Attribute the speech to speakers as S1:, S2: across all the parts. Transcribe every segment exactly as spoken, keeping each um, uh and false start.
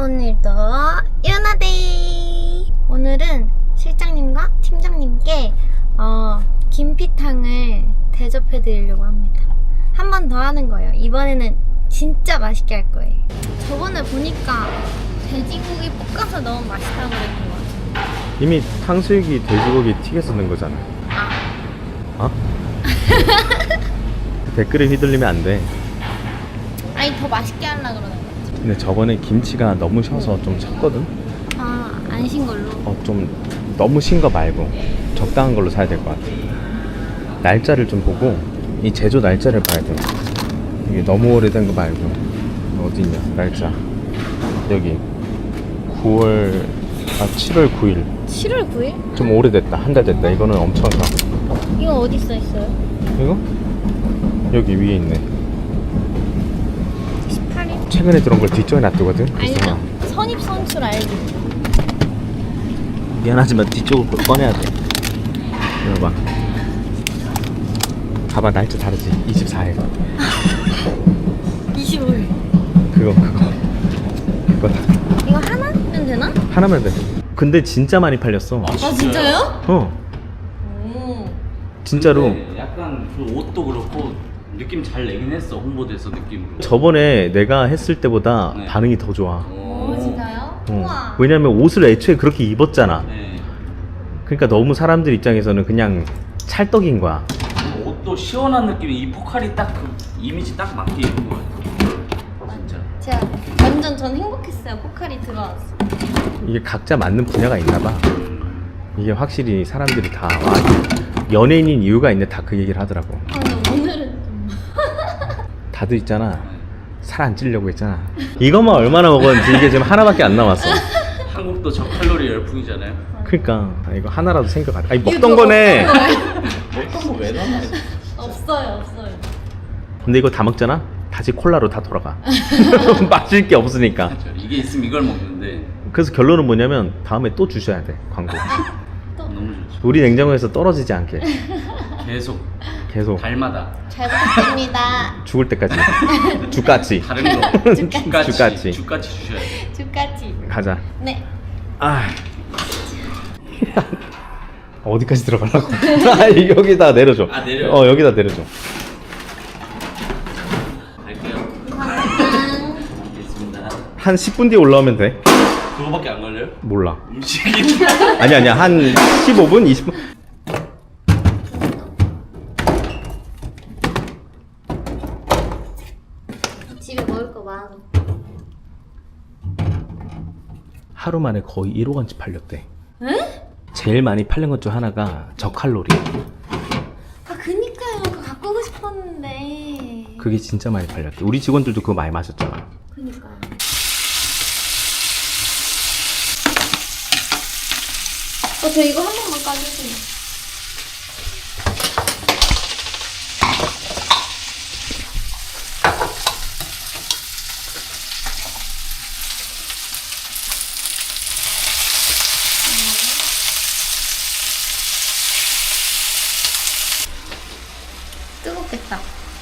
S1: 오늘도 유나데이! 오늘은 실장님과 팀장님께 어, 김피탕을 대접해 드리려고 합니다. 한 번 더 하는 거예요. 이번에는 진짜 맛있게 할 거예요. 저번에 보니까 돼지고기 볶아서 너무 맛있다고 그랬던 것 같아요.
S2: 이미 탕수육이 돼지고기 튀겨서 넣은 거잖아.
S1: 아.
S2: 어? 댓글에 휘둘리면 안 돼.
S1: 아니 더 맛있게 하려고 그러는 거지.
S2: 근데 저번에 김치가 너무 셔서 좀 셨거든?
S1: 아, 안 신 걸로?
S2: 어, 좀 너무 신 거 말고 적당한 걸로 사야 될 것 같아. 날짜를 좀 보고 이 제조 날짜를 봐야 돼. 이게 너무 오래된 거 말고 어디 있냐 날짜. 여기 구월 아 칠월 구일.
S1: 칠월 구일?
S2: 좀 오래됐다. 한 달 됐다. 이거는 엄청 셔.
S1: 이거 어디 써 있어요?
S2: 이거? 여기 위에 있네.
S1: 십팔 일?
S2: 최근에 들어온 걸 뒤쪽에 놔두거든.
S1: 알죠. 선입 선출 알지?
S2: 미안하지만 뒤쪽을 꺼내야 돼. 이거 봐. 봐봐 날짜 다르지. 이십사 일.
S1: 이십오 일.
S2: 그거 그거 그거다.
S1: 이거 하나면 되나?
S2: 하나면 돼. 근데 진짜 많이 팔렸어.
S1: 아 진짜요?
S2: 어
S1: 오.
S2: 진짜로.
S3: 근데 약간 그 옷도 그렇고 느낌 잘 내긴 했어. 홍보대에서 느낌으로.
S2: 저번에 내가 했을 때보다
S3: 네.
S2: 반응이 더 좋아.
S1: 오 진짜요?
S2: 어.
S1: 우와.
S2: 왜냐면 옷을 애초에 그렇게 입었잖아.
S3: 네.
S2: 그러니까 너무 사람들 입장에서는 그냥 찰떡인 거야.
S3: 옷도 시원한 느낌이 이 포칼이 딱 그 이미지 딱 맞게 입은 거 같아. 진짜.
S1: 제가 완전 전 행복했어요. 포칼이 들어왔어.
S2: 이게 각자 맞는 분야가 있나 봐. 이게 확실히 사람들이 다 와, 연예인인 이유가 있네. 다 그 얘기를 하더라고.
S1: 아 근데 오늘은 좀
S2: 다들 있잖아. 살 안 찌려고 했잖아. 이것만 얼마나 먹었는지 이게 지금 하나밖에 안 남았어.
S3: 한국도 저칼로리 열풍이잖아요.
S2: 그러니까 아, 이거 하나라도 생각. 아니 먹던 거네.
S3: 먹던 거 왜 남아?
S1: 없어요 없어요.
S2: 근데 이거 다 먹잖아. 다시 콜라로 다 돌아가. 마실 게 없으니까.
S3: 이게 있으면 이걸 먹는데
S2: 그래서 결론은 뭐냐면 다음에 또 주셔야 돼 광고.
S3: 너무 좋죠.
S2: 우리 냉장고에서 떨어지지 않게
S3: 계속
S2: 계속
S3: 달마다
S1: 잘 부탁드립니다.
S2: 죽을 때까지. 죽같이.
S3: 다른 거
S2: 죽같이.
S3: 죽같이 죽같이 주셔야 돼.
S1: 주까지.
S2: 가자.
S1: 네.
S2: 아 어디까지 들어가려고? 아, 여기다 내려줘.
S3: 아, 내려요?
S2: 어 여기다 내려줘.
S3: 갈게요.
S1: 감사합니다.
S3: 알겠습니다.
S2: 한 십 분 뒤에 올라오면 돼.
S3: 그거밖에 안 걸려요?
S2: 몰라.
S3: 음식이
S2: 아니 아니야 한 십오 분 이십 분.
S1: 집에 먹을 거 많아.
S2: 하루 만에 거의 일억 원치 팔렸대.
S1: 에?
S2: 제일 많이 팔린 것 중 하나가 저칼로리.
S1: 아 그니까요. 그거 갖고 오고 싶었는데.
S2: 그게 진짜 많이 팔렸대. 우리 직원들도 그거 많이 마셨잖아.
S1: 그니까요. 어, 저 이거 한 번만 까주세요. 뜨겁겠다.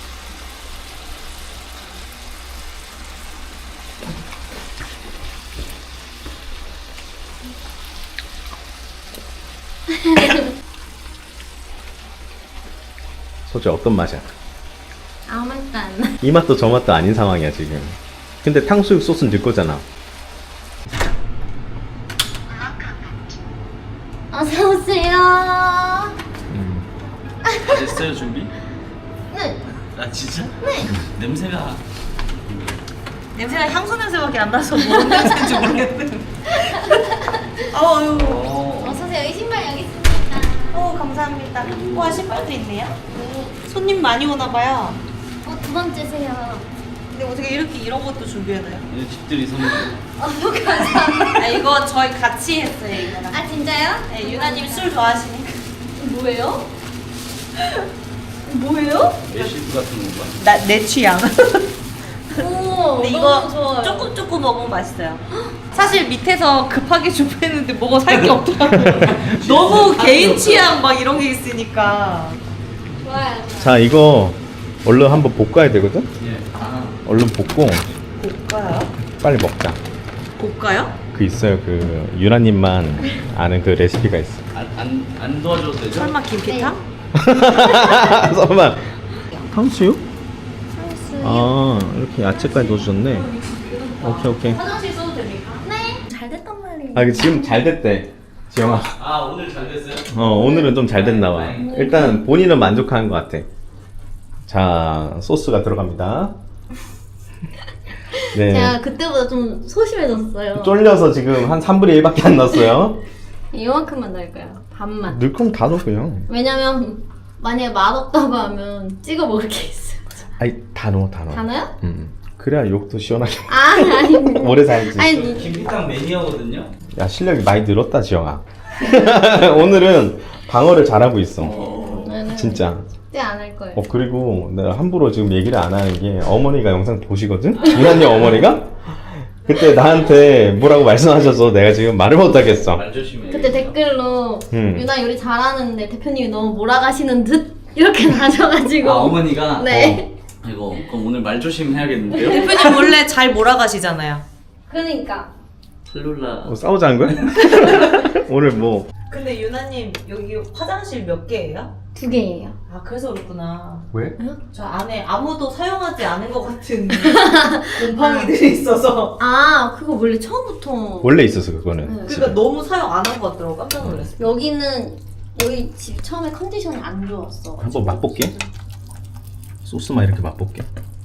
S2: 솔직히 어떤 맛이야?
S1: 아무 맛도 안 나.
S2: 이 맛도 저 맛도 아닌 상황이야 지금. 근데 탕수육 소스는 넣을 거잖아.
S1: 어서 오세요.
S3: 다 됐어요 준비?
S1: 네.
S3: 아 진짜?
S1: 네.
S3: 냄새가
S4: 냄새가 향수 냄새밖에 안 나서 뭔 냄새인지 모르겠네. 아유.
S3: 어.
S1: 어서 오세요. 이 신발 여기 있습니다.
S4: 어 감사합니다. 와 신발도 있네요. 손님 많이 오나 봐요.
S1: 어, 두 번째세요.
S4: 근데 어떻게 이렇게 이런 것도 준비해놔요?
S3: 이 집들이 선물.
S1: 어, 감사합니다.
S4: 아 이거 저희 같이 했어요 이거랑.
S1: 아, 진짜요?
S4: 네, 유나님 술 좋아하시니까.
S1: 뭐예요? 뭐예요?
S3: 레시피 같은 건가?
S4: 나 내 취향.
S1: 오,
S4: 근데
S1: 너무
S4: 이거
S1: 좋아요.
S4: 조금 조금 먹으면 맛있어요. 사실 밑에서 급하게 준비했는데 뭐가 살 게 없더라고요. 너무 개인 취향 막 이런 게 있으니까.
S1: 좋아요.
S2: 자 이거 얼른 한번 볶아야 되거든?
S3: 예. 아.
S2: 얼른 볶고
S4: 볼까요?
S2: 빨리 먹자.
S4: 볼까요?
S2: 그 있어요. 그 유나님만 아는 그 레시피가 있어.
S3: 안안 안 도와줘도 되죠?
S4: 설마 김피탕?
S2: 설마 탕수육?
S1: 탕수육.
S2: 아 이렇게 야채까지 넣어주셨네. 오케이 오케이.
S4: 화장실 써도 됩니까?
S1: 네. 잘 됐단 말이에요.
S2: 아 지금 잘 됐대 지영아.
S3: 아 오늘 잘 됐어요?
S2: 어 오늘은 좀 잘 됐나 봐. 일단 본인은 만족한 것 같아. 자 소스가 들어갑니다. 네.
S1: 제가 그때보다 좀 소심해졌어요.
S2: 쫄려서 지금 한 삼분의 일밖에 안 넣었어요.
S1: 이만큼만 넣을 거예요. 반만.
S2: 넣을 거면 다 넣어 그냥.
S1: 왜냐면 만약에 맛없다고 하면 찍어 먹을 게 있어요.
S2: 아니 다 넣어 다 넣어.
S1: 다 넣어요?
S2: 음. 그래야 욕도 시원하게.
S1: 아 아니.
S2: 오래 살지.
S1: 아니
S3: 김피탕 매니아거든요.
S2: 야 실력이 많이 늘었다 지영아. 오늘은 방어를 잘하고 있어.
S1: 저는
S2: 진짜.
S1: 그때 안 할 거예요.
S2: 어 그리고 내가 함부로 지금 얘기를 안 하는 게 어머니가 영상 보시거든? 유나님 어머니가? 그때 나한테 뭐라고 말씀하셔서 내가 지금 말을 못하겠어.
S3: 말 조심해.
S1: 그때 댓글로
S2: 음.
S1: 유나 요리 잘하는데 대표님이 너무 몰아가시는 듯 이렇게 나셔가지고.
S3: 아 어머니가.
S1: 네.
S3: 어, 이거 그럼 오늘 말 조심해야겠는데요?
S4: 대표님 원래 잘 몰아가시잖아요.
S1: 그러니까.
S3: 셀룰라.
S2: 뭐 싸우자는 거야? 오늘 뭐
S4: 근데 유나님 여기 화장실 몇 개예요?
S1: 두 개예요.
S4: 아 그래서 그렇구나.
S2: 왜?
S4: 저 안에 아무도 사용하지 않은 것 같은 곰팡이들이 있어서.
S1: 아 그거 원래 처음부터.
S2: 원래 있었어 그거는.
S1: 네.
S2: 집에.
S4: 그러니까 너무 사용 안 한 것 같더라고. 깜짝 놀랐어.
S1: 여기는 여기 집 처음에 컨디션이 안 좋았어.
S2: 한번 맛볼게. 소스만 이렇게 맛볼게.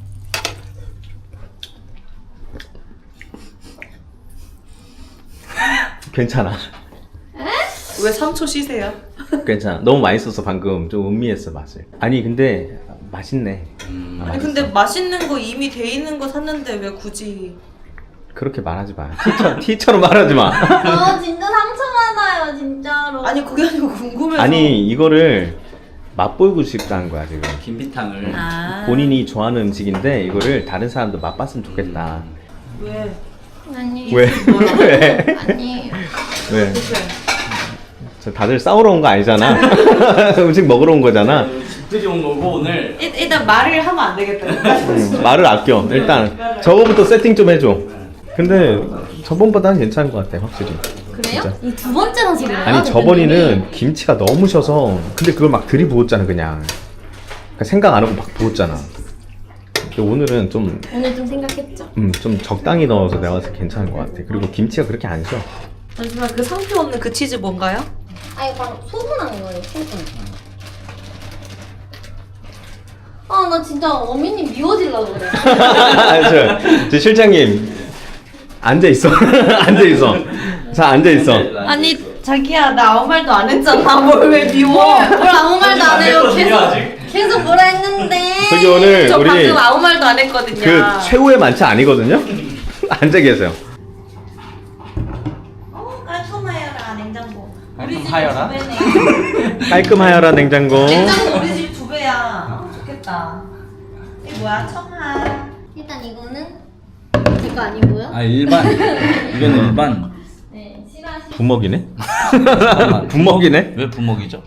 S2: 괜찮아.
S4: 왜 삼 초 쉬세요?
S2: 괜찮아. 너무 맛있어서 방금 좀 음미했어 맛을. 아니 근데 맛있네.
S3: 음.
S2: 아,
S4: 아니 근데 맛있는 거 이미 돼 있는 거 샀는데 왜 굳이?
S2: 그렇게 말하지 마. 티처럼, 티처럼 말하지 마.
S1: 아 진짜 상처 받아요 진짜로.
S4: 아니 그게 아니고 궁금해서.
S2: 아니 이거를 맛보고 싶다는 거야 지금.
S3: 김피탕을.
S4: 아.
S2: 본인이 좋아하는 음식인데 이거를 다른 사람도 맛봤으면 좋겠다.
S4: 왜?
S1: 아니.
S2: 왜? 왜?
S1: 아니.
S2: 왜?
S4: 대표님.
S2: 저 다들 싸우러 온 거 아니잖아. 음식 먹으러 온 거잖아.
S3: 집들이 온 거고 오늘.
S4: 일, 일단 말을 하면 안 되겠다.
S2: 음, 말을 아껴. 일단 저거부터 세팅 좀 해줘. 근데 저번보다는 괜찮은 것 같아 확실히.
S1: 그래요?
S2: 진짜.
S1: 이 두 번째라서 그래요?
S2: 아니 저번에는 김치가 너무 셔서 근데 그걸 막 들이부었잖아 그냥. 그러니까 생각 안 하고 막 부었잖아. 근데 오늘은 좀
S1: 오늘 좀 생각했죠.
S2: 음, 좀 적당히 넣어서 내가 봤을 때 괜찮은 것 같아. 그리고 김치가 그렇게 안 셔.
S4: 잠시만 그 상표 없는 그 치즈 뭔가요?
S1: 아니 방금 소분한 거예요 소분. 아나 진짜 어미님 미워지려고 그래.
S2: 아, 저, 저 실장님 앉아 있어. 앉아 있어. 자 앉아 있어.
S4: 아니 자기야 나 아무 말도 안 했잖아. 뭘 왜 미워?
S1: 뭘 아무 말도 안 해요.
S3: 됐거든요,
S1: 계속
S3: 아직.
S1: 계속 뭐라 했는데.
S2: 저기 오늘
S4: 저
S2: 우리
S4: 방금 아무 말도 안 했거든요.
S2: 그 최후의 만찬 아니거든요. 앉아 계세요.
S4: 어, 깔끔하여라 냉장고.
S3: 깔끔하여라?
S4: 우리 집 두 배네.
S2: 깔끔하여라 냉장고.
S4: 냉장고 우리 집 두 배야. 아, 좋겠다. 이게 뭐야 청아.
S1: 일단 이거는 제 거 아니고요.
S3: 아 일반. 이건 일반.
S1: 네 싫어하시.
S2: 부먹이네.
S3: 잠깐만.
S2: 부먹이네?
S3: 왜 부먹이죠?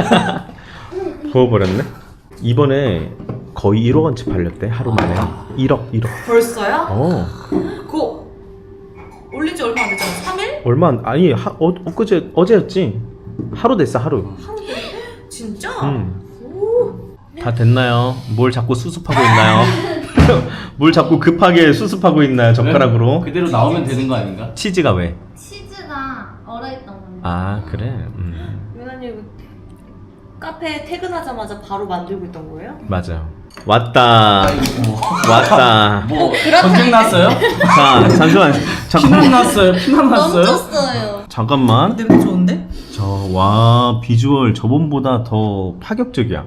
S2: 부어버렸네. 이번에 거의 일억 원치 팔렸대 하루 만에. 일억 일억.
S4: 벌써요?
S2: 어.
S4: 그거 올린 지 얼마 안 됐잖아. 삼 일?
S2: 얼마 안- 아니 하, 어, 엊그제 어제였지. 하루 됐어 하루.
S4: 진짜?
S2: 음. 다 됐나요? 뭘 자꾸 수습하고 있나요? 뭘 자꾸 급하게 수습하고 있나요 젓가락으로?
S3: 그대로 나오면 되는 거 아닌가?
S2: 치즈가 왜?
S1: 치즈가 얼어있던 겁니다.
S2: 아 그래. 음.
S4: 유나님 카페 퇴근하자마자 바로 만들고 있던 거예요?
S2: 맞아요. 왔다. 왔다.
S3: 뭐 전쟁 났어요?
S2: 자 잠시만.
S3: 피난
S2: 잠깐만.
S3: 났어요? 피난 났어요?
S1: 넘쳤어요.
S2: 잠깐만.
S4: 냄새 좋은데?
S2: 저 와 비주얼 저번보다 더 파격적이야.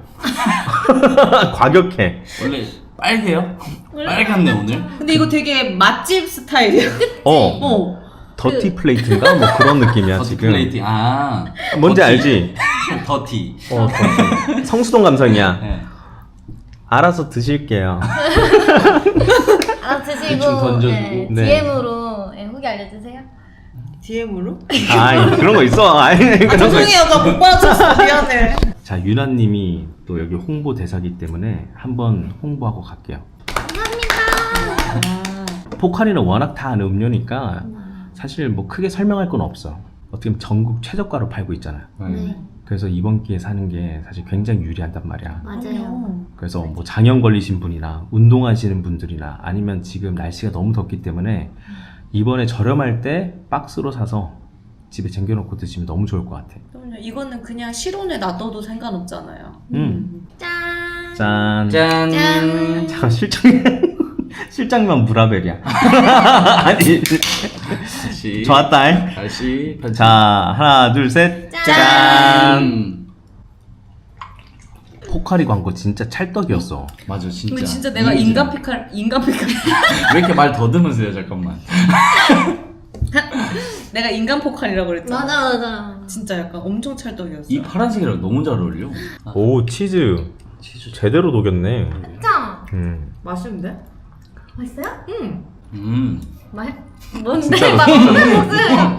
S2: 과격해.
S3: 원래 빨개요? 빨갛네 오늘.
S4: 근데 이거 되게 맛집 스타일이야.
S2: 어.
S4: 어.
S2: 더티 플레이트인가 뭐 그런 느낌이야
S3: 더티
S2: 지금.
S3: 플레이팅. 아
S2: 뭔지
S3: 더티.
S2: 알지?
S3: 더티.
S2: 어 더티. 성수동 감성이야.
S3: 네.
S2: 알아서 드실게요.
S1: 아
S3: 대충
S1: 드시고
S3: 던져주고.
S1: 네,
S2: 네.
S1: 디엠으로 네, 후기 알려주세요.
S4: 디엠으로?
S2: 아 그런 거 있어. 아니 그런 거 있어.
S4: 죄송해요 나 못 받아줬어 미안해.
S2: 자 유나님이 또 여기 홍보 대사기 때문에 한번 홍보하고 갈게요.
S1: 감사합니다.
S2: 포카리는 워낙 다 아는 음료니까 사실 뭐 크게 설명할 건 없어. 어떻게 보면 전국 최저가로 팔고 있잖아요.
S1: 네.
S2: 그래서 이번 기회에 사는 게 사실 굉장히 유리한단 말이야.
S1: 맞아요.
S2: 그래서 뭐 장염 걸리신 분이나 운동하시는 분들이나 아니면 지금 날씨가 너무 덥기 때문에 이번에 저렴할 때 박스로 사서 집에 쟁겨놓고 드시면 너무 좋을 것 같아.
S4: 그럼요. 이거는 그냥 실온에 놔둬도 상관없잖아요.
S2: 음.
S1: 짠.
S2: 짠.
S3: 짠.
S1: 짠.
S2: 잠깐 실장 실장만 브라벨이야. 아니
S3: 다시.
S2: 좋았다.
S3: 다시. 편집.
S2: 자 하나 둘 셋.
S1: 짠.
S2: 짠. 포카리 광고 진짜 찰떡이었어.
S3: 맞아 진짜.
S4: 근데 진짜 내가 인간 피칼 인간 피칼
S3: 왜 이렇게 말 더듬으세요 잠깐만.
S4: 내가 인간 포칼이라고 그랬잖아.
S1: 맞아 맞아.
S4: 진짜 약간 엄청 찰떡이었어.
S3: 이 파란색이랑 너무 잘 어울려.
S2: 오 치즈. 치즈 제대로 녹였네.
S1: 짱.
S2: 음.
S4: 맛있는데?
S1: 맛있어요?
S4: 응.
S3: 음.
S1: 맛? 뭔데?
S2: 진짜로,
S1: 맛없는 모습.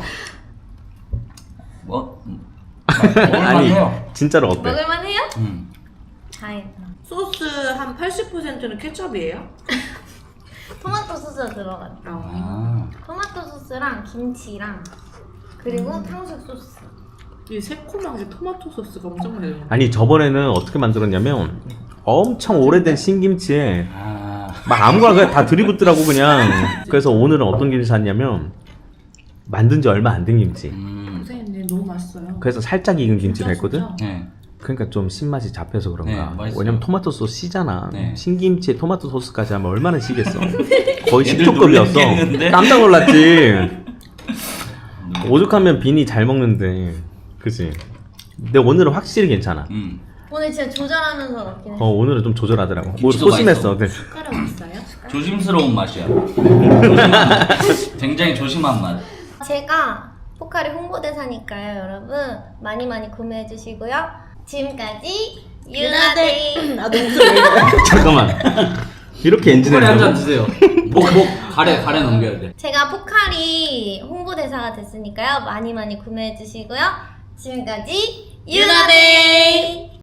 S3: 뭐? 음.
S2: 아니
S3: 먹을만해요.
S2: 진짜로 어때?
S1: 먹을만해요?
S3: 음.
S1: 다행이다.
S4: 소스 한 팔십 퍼센트는 케첩이에요?
S1: 토마토 소스가 들어갔다.
S3: 아.
S1: 토마토 소스랑 김치랑 그리고 탕수육 소스.
S4: 이 새콤한 게 토마토 소스가 엄청 매워.
S2: 아니 저번에는 어떻게 만들었냐면 엄청 오래된 신김치에
S3: 아.
S2: 막 아무거나 그냥 다 들이붓더라고 그냥. 그래서 오늘은 어떤 김치 샀냐면 만든 지 얼마 안 된 김치.
S3: 음.
S4: 선생님 너무 맛있어요.
S2: 그래서 살짝 익은 김치를
S4: 진짜,
S2: 했거든.
S4: 진짜.
S3: 네.
S2: 그러니까 좀 신맛이 잡혀서 그런가.
S3: 네, 맛있어요.
S2: 왜냐면 토마토 소스 시잖아.
S3: 네.
S2: 신김치에 토마토 소스까지 하면 얼마나 시겠어. 거의
S3: 애들
S2: 식초급이었어.
S3: 놀랬겠는데?
S2: 깜짝 놀랐지. 오죽하면 빈이 잘 먹는데. 그치? 근데 오늘은 확실히 괜찮아.
S3: 음.
S1: 오늘 진짜 조절하면서 먹긴
S2: 어
S1: 했어.
S2: 오늘은 좀 조절하더라고. 뭐
S3: 김치도
S2: 소심했어. 네.
S1: 숟가락 있어요?
S3: 조심스러운 맛이야. 조심한 맛. 굉장히 조심한 맛.
S1: 제가 포카리 홍보대사니까요, 여러분 많이 많이 구매해 주시고요. 지금까지 유나데이.
S4: 아 너무 왜
S2: 잠깐만. 이렇게 엔진을
S3: 포카리 한잔
S2: 내고?
S3: 드세요. 목, 목, 가래, 가래 넘겨야 돼.
S1: 제가 포카리 홍보대사가 됐으니까요. 많이 많이 구매해 주시고요. 지금까지 유나데이.